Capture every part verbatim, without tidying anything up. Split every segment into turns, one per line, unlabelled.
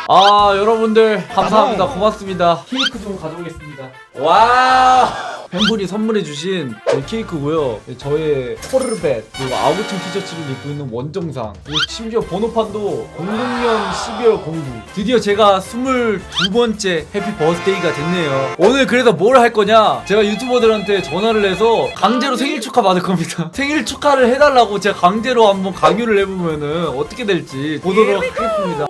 아 여러분들 감사합니다. 고맙습니다. 케이크 좀 가져오겠습니다. 와 팬분이 선물해주신 제 케이크고요. 저의 포르벳 그리고 아구청 티셔츠를 입고 있는 원정상 그리고 심지어 번호판도 공공년 십이월 공구. 드디어 제가 스물두 번째 해피 버스데이가 됐네요. 오늘 그래서 뭘 할 거냐, 제가 유튜버들한테 전화를 해서 강제로 생일 축하 받을 겁니다. 생일 축하를 해달라고 제가 강제로 한번 강요를 해보면은 어떻게 될지 보도록 하겠습니다.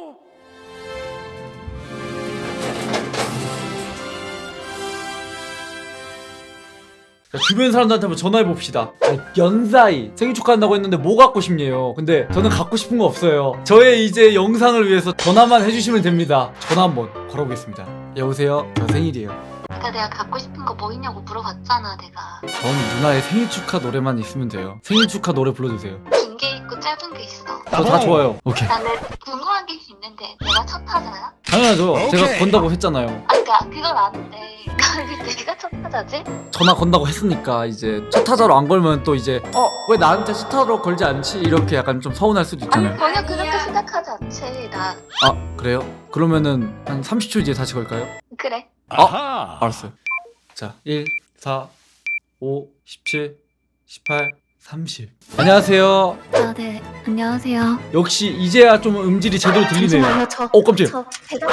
주변 사람들한테 한번 전화해봅시다. 연사이 생일 축하한다고 했는데 뭐 갖고 싶냐요. 근데 저는 갖고 싶은 거 없어요. 저의 이제 영상을 위해서 전화만 해주시면 됩니다. 전화 한번 걸어보겠습니다. 여보세요? 저 생일이에요.
아까 내가 갖고 싶은 거 뭐 있냐고 물어봤잖아 내가.
전 누나의 생일 축하 노래만 있으면 돼요. 생일 축하 노래 불러주세요.
긴 게 있고 짧은 게 있어.
저 다 좋아요. 오케이.
나는 궁금한 게 있는데 내가 첫 타자야?
당연하죠.
오케이.
제가 건다고 했잖아요.
아 그니까 그건 아는데 왜 내가 첫 타자지?
전화 건다고 했으니까 이제 첫 타자로 안 걸면 또 이제 어 왜 나한테 첫 타자로 걸지 않지? 이렇게 약간 좀 서운할 수도
아니
있잖아요.
전혀 그렇게 생각하지 않지 나.
아 그래요? 그러면은 한 삼십 초 뒤에 다시 걸까요?
그래.
아! 알았어요. 자, 일, 사, 오, 십칠, 십팔, 삼십. 안녕하세요.
아 네 안녕하세요.
역시 이제야 좀 음질이 제대로 들리네요.
잠시만요 저.
어, 깜짝이야.
저 배달.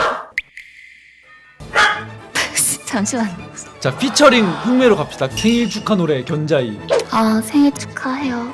잠시만.
자, 피처링 흑매로 갑시다. 생일 축하 노래 견자이.
아 생일 축하해요.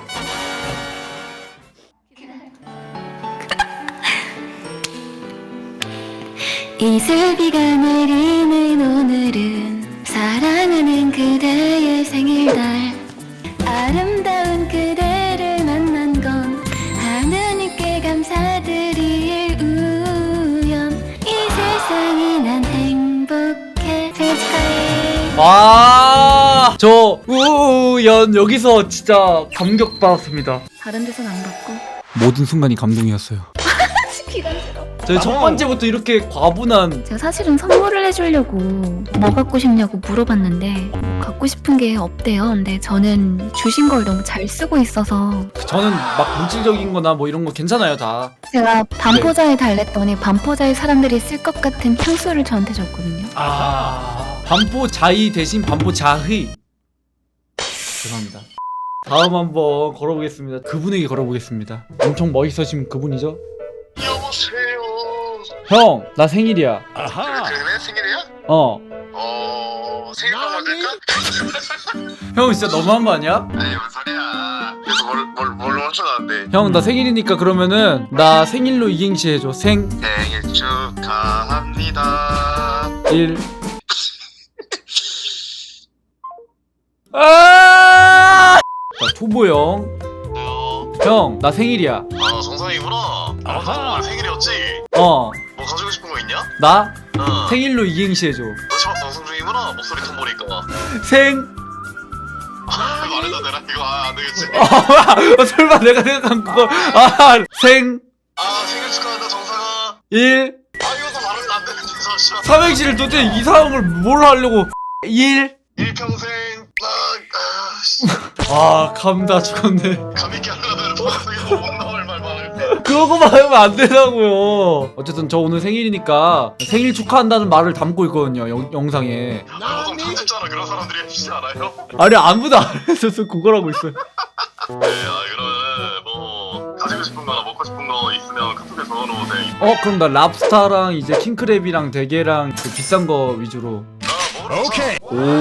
이슬비가 내리는 오늘은 사랑하는 그대의 생일날. 아름다운 그대를 만난 건 하느님께 감사드릴 우연. 이 세상이 난 행복해. 생일 축하해.
와, 저 우연 여기서 진짜 감격받았습니다.
다른 데선 안 받고.
모든 순간이 감동이었어요.
기간스러워.
저희 첫 번째부터 이렇게 과분한.
제가 사실은 선물을 해주려고 뭐 갖고 싶냐고 물어봤는데 뭐 갖고 싶은 게 없대요. 근데 저는 주신 걸 너무 잘 쓰고 있어서
저는 막 물질적인 거나 뭐 이런 거 괜찮아요 다.
제가 반포자에 달랬더니 반포자에 사람들이 쓸 것 같은 향수를 저한테 줬거든요.
아, 반포 자이 대신 반포 자의. 죄송합니다. 다음 한번 걸어보겠습니다. 그분에게 걸어보겠습니다. 엄청 멋있으신 그분이죠?
여보세요.
형, 나 생일이야.
아하.
그래 그래 생일이야?
어.
어 생일빵 만들까?
형 진짜 너무한 거 아니야?
아니 뭔 소리야. 그래서 뭘뭘 뭘로 맞춰놨는데.
형, 나 생일이니까 그러면은 나 생일로 이행시 해줘. 생,
생일 축하합니다.
일. 아! 자, 초보 형.
어,
형, 나 생일이야.
아 정상이구나.
아하.
아 오늘 생일이었지?
어.
뭐 가지고 싶은 거 있냐?
나
어.
생일로 이행시 해줘.
너 지금 방송 중이구나. 목소리 톤 보니까.
생.
말해도 되나 이거? 아 안되겠지.
어, 설마 내가 생각한 그거. 아, 생,
아 생일 축하한다 정상아.
일.
아 이것도 말하면 안 되는데 잠시만.
삼행시를 도대체 이 상황을 뭘 하려고. 일.
일평생 나 아, 씨.
아, 감다 죽었네.
감있게 하려면 방송에서 못 나올 말 많을 때.
그런 거만 하면 안 되다고요. 어쨌든 저 오늘 생일이니까 생일 축하한다는 말을 담고 있거든요, 영, 영상에.
보통 편집자나 그런 사람들이 해주지 않아요?
아니, 아무도 안 했어서 그거라고 있어요.
네, 아 그러면 뭐 가지고 싶은 거나 먹고 싶은 거 있으면 카톡에 적어놓으세요.
어, 그럼 나 랍스타랑 이제 킹크랩이랑 대게랑 그 비싼 거 위주로.
아 뭐라
오케이.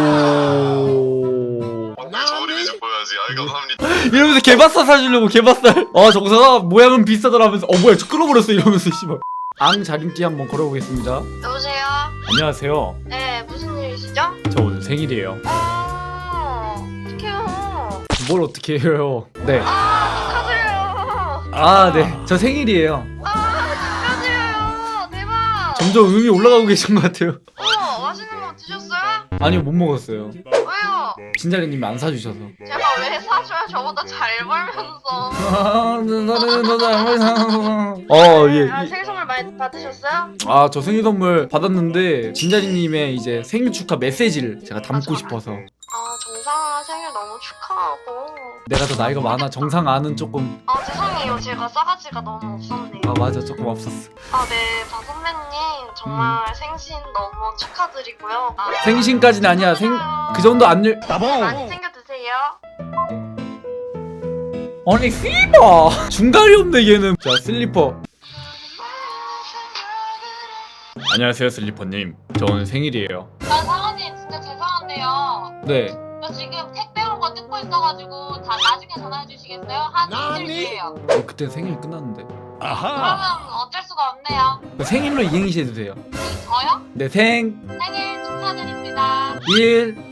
오.
오늘 저울이 위주 보여야지. 아이 감사합니다.
이러면서 게바살 사주려고 게바살. 아, 정사가 모양은 비싸더라 하면서 어 뭐야 저 끊어버렸어 이러면서 씨발. 앙 자림띠 한번 걸어보겠습니다.
여보세요?
안녕하세요.
네 무슨 일이시죠?
저 오늘 생일이에요.
아 어떡해요.
뭘 어떻게 해요? 네.
아 축하드려요.
아, 네. 저 생일이에요.
아 축하드려요. 대박.
점점 음이 올라가고 계신 것 같아요.
어 맛있는 거 드셨어요?
아니요, 못 먹었어요.
왜요?
진자리님이 안 사주셔서.
제가 왜 사줘요? 저보다 잘 벌면서.
어, 예.
아, 생일 선물 많이 받으셨어요?
아, 저 생일 선물 받았는데 진자리님의 이제 생일 축하 메시지를 제가 담고 싶어서.
아 정상아 생일 너무 축하하고.
내가 더 나이가 많아. 정상 아는 조금.
아 죄송해요 제가 싸가지가 너무 없었네요.
아, 맞아, 조금 없었어.
아 네, 박 선배님
정말 생신 너무 축하드리고요. 아,
생신까지는 아니야. 생 그 정도 안 열.
많이 챙겨 드세요.
아니 씨바 중간이 없네 얘는. 자 슬리퍼. 안녕하세요 슬리퍼님. 저는 생일이에요.
아, 사장님 진짜 죄송한데요.
네.
저 지금 택배 온 거 뜯고 있어가지고 다 나중에 전화해 주시겠어요? 한 이틀 뒤에요.
어, 그때 생일 끝났는데.
그러면 어쩔 수가 없네요.
생일로 이행시 해주세요.
저요?
네 생.
생일 축하드립니다.
일.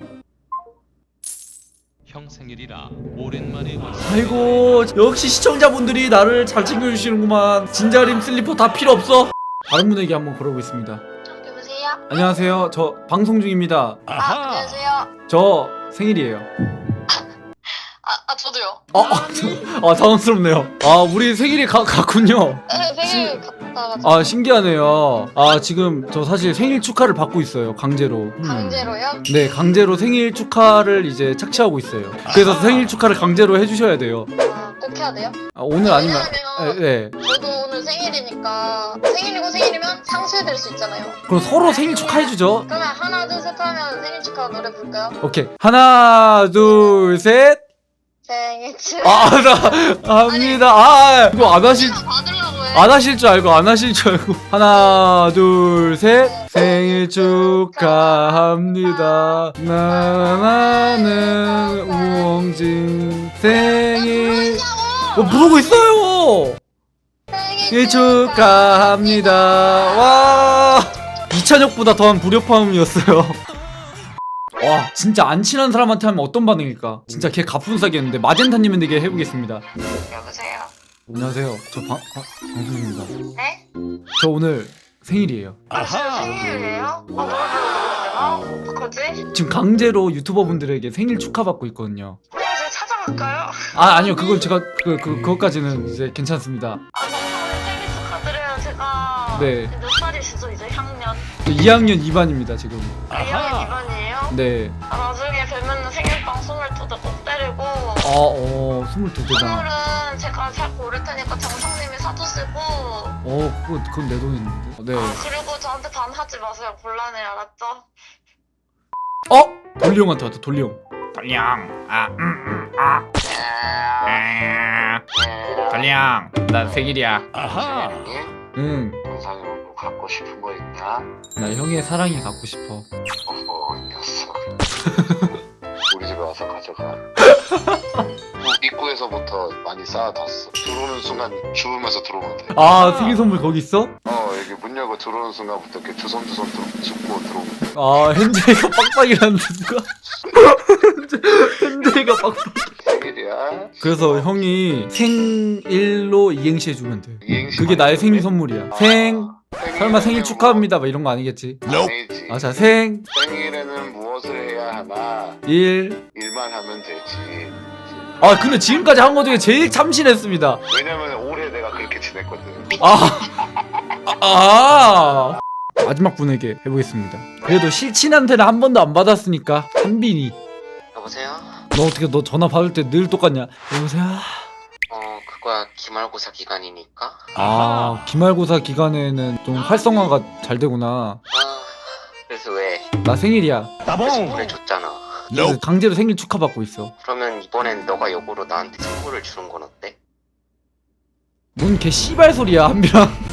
형 생일이라 오랜만에 왔어.
아이고 역시 시청자분들이 나를 잘 챙겨주시는구만. 진자림 슬리퍼 다 필요 없어. 다른 분에게 한번 걸어보겠습니다.
여보세요?
안녕하세요. 저 방송 중입니다.
아, 안녕하세요.
저 생일이에요.
아, 아 저도요.
어, 아 당황스럽네요. 아 우리 생일이 가, 같군요.
네, 생일 갔다가
아 신기하네요. 아 지금 저 사실 생일 축하를 받고 있어요. 강제로. 음.
강제로요?
네 강제로 생일 축하를 이제 착취하고 있어요. 그래서 생일 축하를 강제로 해주셔야 돼요.
아, 꼭 해야 돼요?
아, 오늘 아니면
왜냐면
네, 네.
저도 오늘 생일이니까 생일이고 생일이면 상쇄될 수 있잖아요.
그럼 서로 생일 축하해주죠.
그러면 하나 둘 셋 하면 생일 축하 노래 부를까요?
오케이 하나 둘 셋.
생일 축하.
아, 나 합니다. 아, 이거 안 하실
받으려고 해.
안 하실 줄 알고 안 하실 줄 알고. 하나, 둘, 셋. 생일 축하합니다. 나나는 우엉진 생일. 어, 부르고 있어요. 생일 축하합니다. 와. 이찬혁보다 더한 불협화음이었어요. 와 진짜 안 친한 사람한테 하면 어떤 반응일까? 진짜 걔 갑분싸겠는데 마젠타님에게 해보겠습니다.
여보세요.
안녕하세요. 저 방, 아, 방송입니다.
네?
저 오늘 생일이에요.
아 진짜 생일이에요? 아 노래 부르고 있나? 어떡하지?
지금 강제로 유튜버 분들에게 생일 축하받고 있거든요.
이제 찾아갈까요?
아 아니요 그건 제가 그, 그 그것까지는 이제 괜찮습니다.
아 정말 생일 축하드려요. 제가
네.
몇 살이시죠? 이제 학년?
이 학년 이 반입니다 지금.
이 학년 이 반이에요?
네.
아, 나중에 뵈면 생일빵 스물두 대 꼭 때리고
아어 스물두 대다.
선물은 제가 잘 고를 테니까 정성님이 사주시고
어 그거 그건 내 돈인데. 네.
아 그리고 저한테 반하지 마세요. 곤란해 알았죠?
어 돌리 형한테 왔다 돌리 형. 돌리 형. 아 음 음 아. 돌리 형. 나 생일이야.
아하.
응.
영상으로 뭐 갖고 싶은 거 있냐?
나 형의 사랑이 갖고 싶어.
어허, 이 녀석. 우리 집에 와서 가져가. 뭐 입구에서부터 많이 쌓아놨어. 들어오는 순간 주우면서 들어오면 돼.
아 생일 선물 거기 있어?
어, 여기 문 열고 들어오는 순간부터 이렇게 주섬주섬 들어, 줍고 들어오면 돼.
아 현재가 빡빡이라는 누가? 현재가 빡빡.
생일이야.
그래서 형이 생일로 이행시 해주면 돼.
이행시
그게
많이
나의 생일
해줬네?
선물이야.
아,
생 설마 생일
생일에는
축하합니다 막 이런 거 아니겠지?
뭐, 아니지.
아 자 생
생일에는 무엇을 해야 하나?
일.
일만 하면 되지.
아 근데 지금까지 한 거 중에 제일 참신했습니다.
왜냐면 올해 내가 그렇게 지냈거든.
아, 아, 마지막 분에게 해보겠습니다. 그래도 실친한테는 한 번도 안 받았으니까 한빈이.
여보세요?
너 어떻게 너 전화 받을 때 늘 똑같냐? 여보세요.
어, 그거야 기말고사 기간이니까.
아 기말고사 기간에는 좀 활성화가 잘 되구나.
아, 그래서 왜?
나 생일이야.
선물해 줬잖아.
그래서 강제로 생일 축하받고 있어.
그러면 이번엔 너가 역으로 나한테 선물을 주는 건 어때?
뭔 개 씨발 소리야 한빈아.